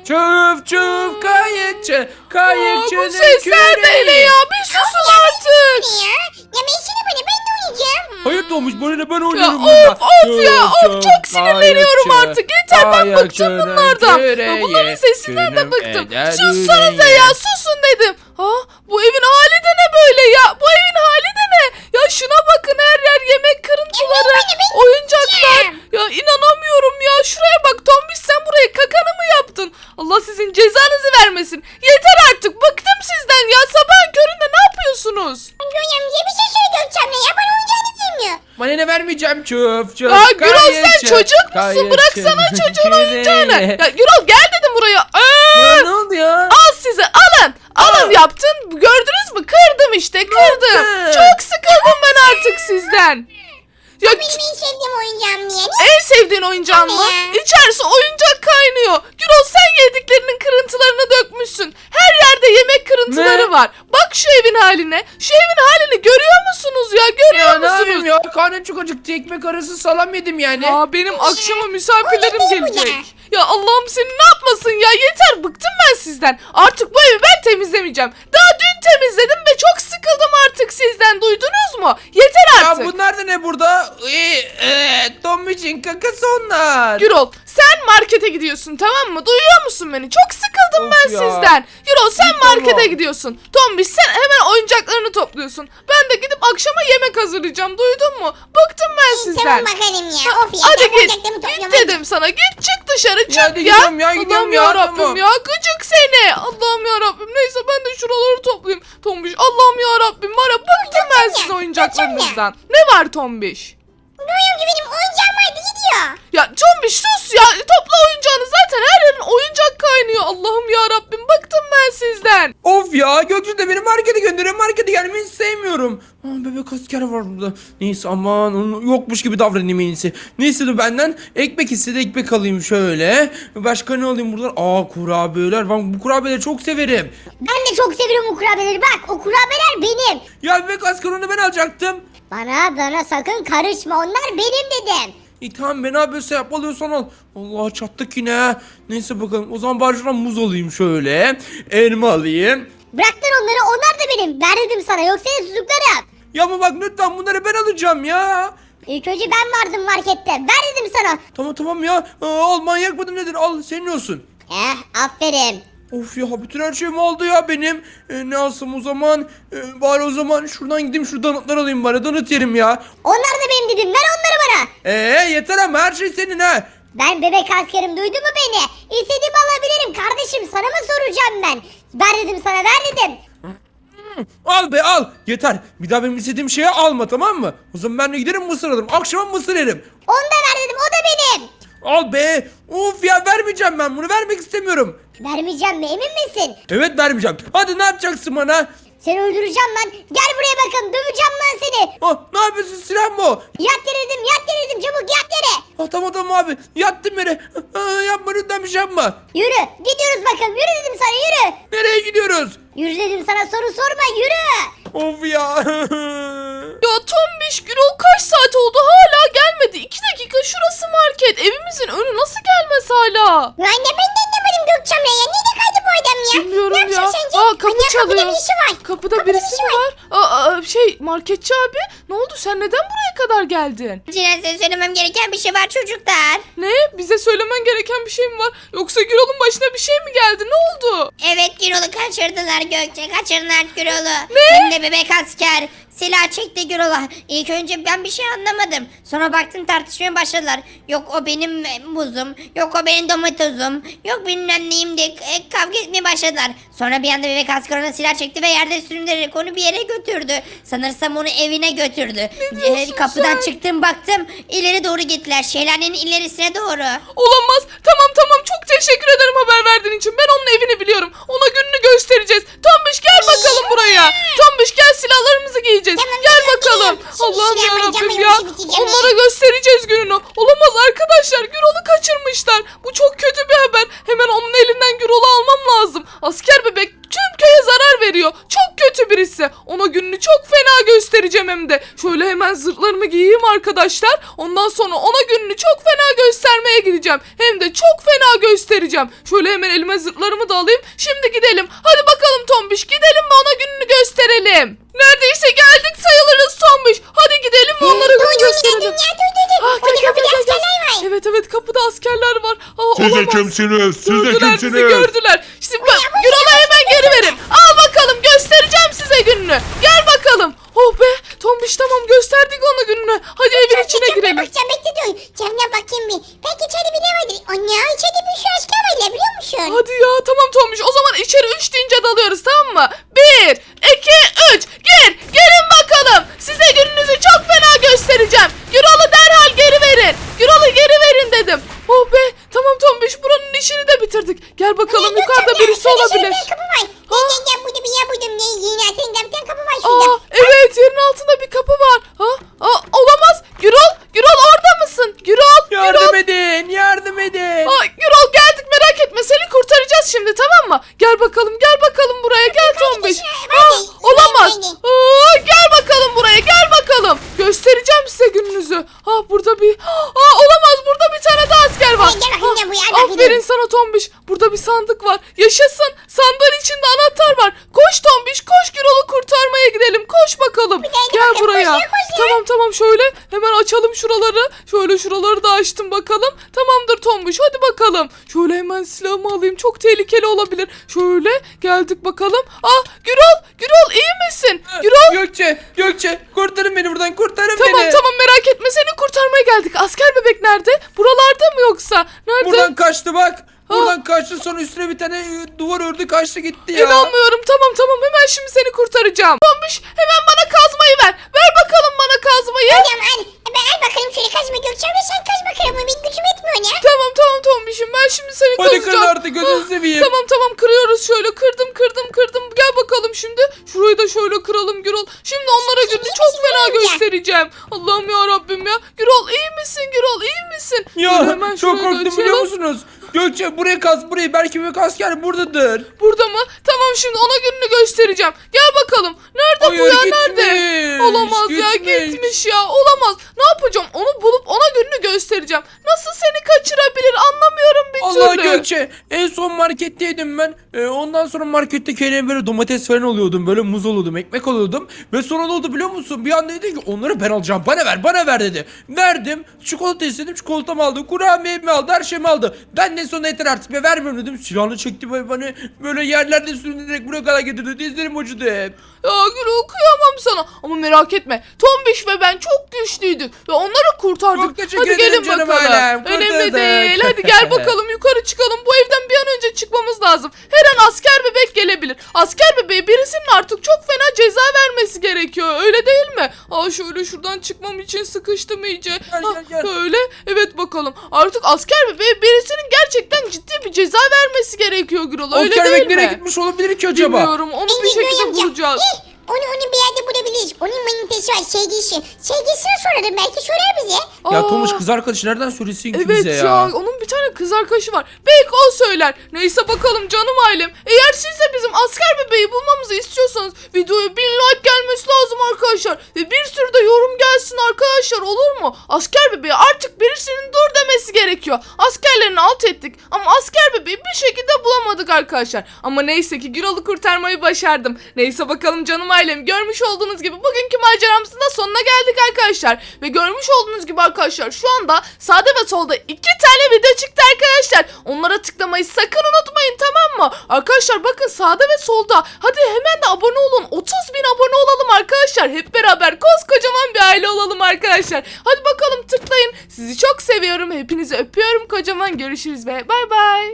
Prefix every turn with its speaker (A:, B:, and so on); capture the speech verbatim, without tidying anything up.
A: Çuf çuf kayıkçı.
B: Aa,
A: Kayıkçının
B: bu sesler de ne ya? Bir susun artık.
C: Ne ya? Ya ben seni bana ben de oynayacağım.
A: Hayır Tomuş bana ne ben
B: Ya
A: oynuyorum
B: of
A: burada.
B: of ya
A: Çuf,
B: of
A: çuf,
B: çok sinirleniyorum
A: kayıkçı,
B: artık. Yeter ben bıktım
A: kayıkçının
B: bunlardan. Ya
A: küreği,
B: bunların sesinden de
A: günüm
B: bıktım.
A: eder
B: Sussanıza
A: yüreği.
B: ya susun dedim. Ha bu evin hali de ne böyle ya? Bu evin hali de ne? Ya şuna bakın her yer yemek kırıntıları, oyuncaklar. Ya inanamıyorum ya. Şuraya bak Tombiş sen buraya kakanı mı yaptın? Allah sizin cezanızı vermesin. Yeter artık bıktım sizden ya. Sabahın köründe ne yapıyorsunuz?
C: Göğe amca bir şey söyle Gökçem'le ya bana oyuncağını demiyor.
A: Bana ne vermeyeceğim çuf çuf.
B: Ya Gürol sen
A: kayıkçı,
B: çocuk musun?
A: kayıkçının
B: Bıraksana çocuğun oyuncağını.
A: küreği.
B: Ya Gürol gel dedim buraya. Aa!
A: Ya ne oldu ya?
B: Al size alın. Alın
A: Aa.
B: yaptın. Gördünüz mü? Kırdım işte kırdım.
A: yaptın?
B: Çok sıkıldım ben artık sizden. Ya
C: Benim en sevdiğim oyuncağım niye? Ne?
B: en sevdiğin oyuncağın mı?
C: Anne.
B: İçerisi oyuncak kaynıyor. Gürol sen yediklerinin kırıntılarını dökmüşsün. Her yerde yemek kırıntıları
A: Ne?
B: var. Bak şu evin haline. Şu evin halini görüyor musunuz ya? Görüyor
A: Ya ne
B: musunuz?
A: yapayım ya? Karnım çok acıktı. Ekmek arası salam yedim yani.
B: Aa benim akşama misafirlerim
C: Bu ne, bu ne?
B: gelecek. Ya Allah'ım seni ne yapmasın ya yeter bıktım ben sizden. Artık bu evi ben temizlemeyeceğim. Daha dün temizledim ve çok sıkıldım artık sizden duydunuz mu? Yeter
A: Ya
B: artık.
A: bunlar da ne burada? Ee, e, Tomuç'un kakası onlar.
B: Gürol sen markete gidiyorsun tamam mı? Duyuyor musun beni? Çok sıkıldım
A: Of
B: ben
A: ya.
B: sizden. Gürol sen
A: İyi, tamam.
B: markete gidiyorsun. Tombiş sen hemen oyuncaklarını topluyorsun. Ben de gidip akşama yemek hazırlayacağım. Duydun mu? Bıktım ben sizden.
C: Tamam bakalım ya. Of ya.
B: Hadi
C: ben
B: git.
C: oyuncaklarımı
B: Git
C: topluyorum.
B: dedim sana. Git çık dışarı çık ya.
A: hadi gidiyorum ya, gidiyorum
B: Allah'ım
A: ya,
B: yarabbim
A: tamam.
B: ya. Gıcık seni. Allah'ım yarabbim. Neyse ben de şuraları toplayayım. Tombiş Allah'ım yarabbim var ya bıktım ben
C: Gökçen
B: sizin
C: ya,
B: oyuncaklarınızdan. Ne var Tombiş?
C: Göğe amca benim oyuncağım vardı gidiyor.
B: Ya Tombiş sus ya. Topla oyuncağını zaten her yerin oyuncak kaynıyor. Allah'ım yarabbim bıktım ben sizden.
A: Of ya Gökçe de beni markete gönderiyor. Markete gelmeyi hiç sevmiyorum. Aa, bebek asker var burada. Neyse aman onun yokmuş gibi davranayım en iyisi. Ne istedi benden? Ekmek istedi, ekmek alayım şöyle. Başka ne alayım buradan? Aa kurabiyeler. Ben bu kurabiyeleri çok severim.
C: Ben de çok severim o kurabiyeleri. Bak o kurabiyeler benim.
A: Ya bebek asker onu ben alacaktım.
C: Bana bana sakın karışma onlar benim dedim.
A: İyi tamam ben ne yapıyorsa yap alıyorsan al. Allah çattık yine. Neyse bakalım o zaman bari şuradan muz alayım şöyle. Elma alayım.
C: Bıraktın onları onlar da benim. Ver dedim sana yoksa seni tutuklarım.
A: Ya ama bak lütfen bunları ben alacağım ya.
C: İlk önce ben vardım markette. Ver dedim sana.
A: Tamam tamam ya. Aa, al manyak mıdır nedir? Al senin olsun.
C: Eh aferin.
A: Of ya bütün her şeyimi aldı ya benim. Ee, ne alsam o zaman? Ee, bari o zaman şuradan gideyim şu donutlar alayım bari. Donut yerim ya.
C: Onlar da benim dedim. Ver onları bana.
A: Ee yeter ama her şey senin ha.
C: Ben bebek askerim duydun mu beni? İstediğimi alabilirim kardeşim sana mı soracağım ben? Ver dedim sana ver dedim.
A: Al be al. Yeter. Bir daha benim istediğim şeyi alma tamam mı? O zaman ben de giderim mısır alırım. Akşama mısır yerim.
C: Onu da ver dedim o da benim.
A: Al be. Of ya vermeyeceğim ben bunu. Vermek istemiyorum.
C: Vermeyeceğim mi emin misin?
A: Evet vermeyeceğim. Hadi ne yapacaksın bana?
C: Seni öldüreceğim lan. Gel buraya bakın döveceğim lan seni.
A: Ah, ne yapıyorsun silah mı o?
C: Yat yere dedim yat yere dedim çabuk yat yere.
A: Ah, tamam tamam abi. Yattım yere. Ah, yapma lütfen bir şey yapma.
C: Yürü gidiyoruz bakın yürü dedim sana yürü.
A: Nereye gidiyoruz?
C: Yürü dedim sana soru sorma yürü.
A: Of ya.
B: Ya Tombiş Gürol kaç saat oldu hala gelmedi. İki dakika şurası market. Evimizin önü nasıl gelmez hala?
C: Lan ne ben de anlamadım Gökçem'le ya. Nerede kaydı bu adam ya?
B: Bilmiyorum
C: ne
B: ya.
C: yapacak sence?
B: Aa kapı
C: Anne,
B: çalıyor.
C: Kapıda birisi var.
B: Kapıda
C: Kapıda
B: birisi
C: birisi
B: mi var? Aa, aa, şey marketçi abi ne oldu sen neden buraya kadar geldin?
D: Size size söylemem gereken bir şey var çocuklar.
B: Ne? Bize söylemen gereken bir şey mi var? Yoksa Gürol'un başına bir şey mi geldi? Ne oldu?
D: Evet Gürol'u kaçırdılar Gökçe. Kaçırdılar Gürol'u.
B: Ne?
D: Hem de bebek asker. Silah çekti Gürol'a. İlk önce ben bir şey anlamadım. Sonra baktım tartışmaya başladılar. Yok o benim muzum. Yok o benim domatesum. Yok bilmem neyim diye e, kavga etmeye başladılar. Sonra bir anda bebek asker ona silah çekti ve yerde sürünerek onu bir yere götürdü. Sanırsam onu evine götürdü.
B: diyorsun
D: E, kapıdan
B: sen?
D: çıktım baktım. İleri doğru gittiler. Şelalenin ilerisine doğru.
B: Olamaz. Tamam tamam çok teşekkür ederim haber verdiğin için. Ben onun evini biliyorum. Ona gününü göstereceğiz. Tombiş gel bakalım buraya. Tombiş gel silahlarımızı giyeceğiz.
C: Tamam,
B: Gel
C: tamam,
B: bakalım.
C: geliyorum. Şimdi
B: Allah'ım
C: silah
B: yarabbim
C: alacağım,
B: ya.
C: ben işi bitireceğim
B: Onlara göstereceğiz gününü. Olamaz arkadaşlar. Gürol'u kaçırmışlar. Bu çok kötü bir haber. Hemen onun elinden Gürol'u almam lazım. Asker bebek tüm köye zarar veriyor. Çok kötü birisi. Ona gününü çok fena göstereceğim. göstereceğim hem de. Şöyle hemen zırhlarımı giyeyim arkadaşlar. Ondan sonra ona gününü çok fena göstermeye gideceğim. Hem de çok fena göstereceğim. Şöyle hemen elime zırhlarımı da alayım. Şimdi gidelim. Hadi bakalım Tombiş, gidelim ve ona gününü gösterelim. Neredeyse geldik sayılırız Tombiş. Hadi gidelim ve onlara gününü gösterelim. Ah, gel, gel, gel, gel, gel. Evet evet, kapıda askerler var. Aa,
E: Siz de
B: olamaz.
E: kimsiniz? Siz de
B: Gördüler bizi,
E: kimsiniz?
B: gördüler. Şimdi bak, Gürol'a hemen geri verin. Al bakalım, göstereceğim size gününü. Gel bakalım. Oh be Tombiş, tamam gösterdik ona gününü. Hadi evin içine girelim.
C: Bakacağım, bekle dur. Camdan bakayım bir. Belki içeride biri vardır. Anne içeride bir şu aşkı var ya, biliyor musun?
B: Hadi ya, tamam Tombiş, o zaman içeri üç deyince dalıyoruz, tamam mı? Bir, iki, üç. Gir. Gelin bakalım. Size gününüzü çok fena göstereceğim. Gürol'u derhal geri verin. Gürol'u geri verin dedim. Oh be, tamam Tombiş, buranın işini de bitirdik. Gel bakalım, yukarıda birisi olabilir.
C: Kapı var. Gel gel gel, burada bir yer buldum. Ne yeni atınca bir tane kapı var şurada.
B: Aa, evet, yerin altında bir kapı var. Ha? Aa, olamaz. Gürol, Gürol orada mısın? Gürol, Gürol.
A: Yardım edin, yardım edin.
B: Aa, Gürol geldik, merak etme, seni kurtaracağız şimdi, tamam mı? Gel bakalım, gel bakalım buraya, gel Tombiş. Aa, olamaz. Aa, gel bakalım buraya, gel bakalım. Göstereceğim size gününüzü. Ha, burada bir... Aa, olamaz, burada bir tane daha asker var.
C: Gel, gel bakayım, gel buraya,
B: Ha,
C: hadi
B: aferin
C: gidelim.
B: sana Tombiş. Burada bir sandık var. Yaşasın. Sandığın içinde anahtar var. Koş Tombiş, koş, Gürol'u kurtarmaya gidelim. Koş bakalım.
C: hadi
B: Gel
C: bakalım,
B: buraya.
C: koş ya, koş ya.
B: Tamam tamam, şöyle hemen açalım şuraları. Şöyle şuraları da açtım bakalım. Tamamdır Tombiş, hadi bakalım. Şöyle hemen silahımı alayım. Çok tehlikeli olabilir. Şöyle geldik bakalım. Ah, Gürol, Gürol iyi misin? Gürol.
A: Gökçe, Gökçe kurtarın beni buradan, kurtarın
B: Tamam
A: beni.
B: tamam, merak etme, seni kurtarmaya geldik. Asker bebek nerede? Buralarda mı yoksa? Nerede?
A: Buradan kaçtı bak. Buradan kaçtı, sonra üstüne bir tane e, duvar ördü, kaçtı gitti ya.
B: İnanmıyorum. Tamam tamam, hemen şimdi seni kurtaracağım. Tombiş, hemen bana kazmayı ver. Ver bakalım bana kazmayı.
C: Hocam al. Ben al bakalım şöyle kazma Gökçen ve sen kaz bakalım. Benim gücüm etmiyor ya.
B: Tamam tamam Tombiş'im, ben şimdi seni
A: Hadi
B: kazacağım.
A: kır artık, gözünü
B: Ah,
A: seveyim.
B: Tamam tamam, kırıyoruz şöyle. Kırdım kırdım kırdım. Gel bakalım şimdi. Şurayı da şöyle kıralım Gürol. Şimdi onlara gününü çok fena
C: amca.
B: göstereceğim. Allah'ım ya Rabbim ya. Gürol iyi misin Gürol, iyi misin? Şöyle
A: Ya
B: hemen
A: çok
B: şurayı da
A: korktum,
B: açalım.
A: biliyor musunuz? Gökçe buraya kaz, burayı, belki bir asker buradadır.
B: Burada mı? Tamam, şimdi ona gününü göstereceğim. Gel bakalım. Nerede bu
A: Hayır,
B: ya,
A: gitmiş,
B: nerede? Olamaz ya,
A: gitmiş.
B: gitmiş ya. Olamaz. Ne yapacağım? Onu bulup ona gününü göstereceğim. Nasıl seni kaçırabilir, anlamıyorum bir
A: Allah
B: türlü.
A: Gökçe, en son marketteydim ben. Ee, ondan sonra markette kendime böyle domates falan oluyordum, böyle muz oluyordum, ekmek oluyordum. Ve sonra ne oldu biliyor musun? Bir anda dedi ki onları ben alacağım, bana ver, bana ver dedi. Verdim, çikolata istedim, çikolatamı aldı, kurabiyemi aldı, her şeyimi aldı. Ben de sonra yeter artık ve vermiyorum dedim. Silahını çekti ve bana böyle yerlerde sürünerek buraya kadar getirdi. Dizlerim acıdı hep.
B: Ya Gürol, kıyamam sana. Ama merak etme. Tombiş ve ben çok güçlüydük. Ve onları kurtardık.
A: Çok teşekkür
B: Hadi
A: ederim
B: gelin
A: canım
B: bakalım.
A: ailem,
B: Önemli
A: kurtardık.
B: değil. Hadi gel bakalım, yukarı çıkalım. Bu evden bir an önce çıkmamız lazım. Her an asker bebek gelebilir. Asker bebeğe birisinin artık çok fena ceza vermesi gerekiyor. Öyle değil mi? Aa, şöyle şuradan çıkmam için sıkıştım iyice.
A: Gel,
B: Ha,
A: gel, gel.
B: Öyle. Evet bakalım. Artık asker bebeğe birisinin gerçekten ciddi bir ceza vermesi gerekiyor Gürol. Öyle
A: Asker
B: değil
A: bebek nereye
B: mi?
A: gitmiş olabilir ki acaba?
B: Bilmiyorum. Onu bir
C: Bence
B: şekilde
C: Gökçen,
B: bulacağız.
C: gel. Onu onu bir yerde bulabiliriz. Onun manitesi var, sevgilisi. Sevgilisine sorarım, belki sorar bize.
A: Ya
B: Aa.
A: Tomuş, kız arkadaşı nereden söylesin ki
B: Evet
A: bize ya?
B: ya. Onun bir tane kız arkadaşı var. Belki o söyler. Neyse bakalım canım ailem. Eğer siz de bizim asker bebeği bulmamızı istiyorsanız videoya bin like gelmesi lazım arkadaşlar. Ve bir sürü de yorum gelsin arkadaşlar, olur mu? Asker bebeği artık birisinin dur demesi gerekiyor. Askerlerini alt ettik ama asker bebeği bir şekilde bulamadık arkadaşlar. Ama neyse ki Gürol'u kurtarmayı başardım. Neyse bakalım canım ailem. Görmüş olduğunuz gibi bugünkü maceramızın da sonuna geldik arkadaşlar. Ve görmüş olduğunuz gibi arkadaşlar şu anda sağda ve solda iki tane video çıktı arkadaşlar. Onlara tıklamayı sakın unutmayın, tamam mı? Arkadaşlar bakın sağda ve solda. Hadi hemen de abone olun. otuz bin abone olalım arkadaşlar. Hep beraber koskocaman bir aile olalım arkadaşlar. Hadi bakalım tıklayın. Sizi çok seviyorum. Hepinizi öpüyorum kocaman. Görüşürüz ve bay bay.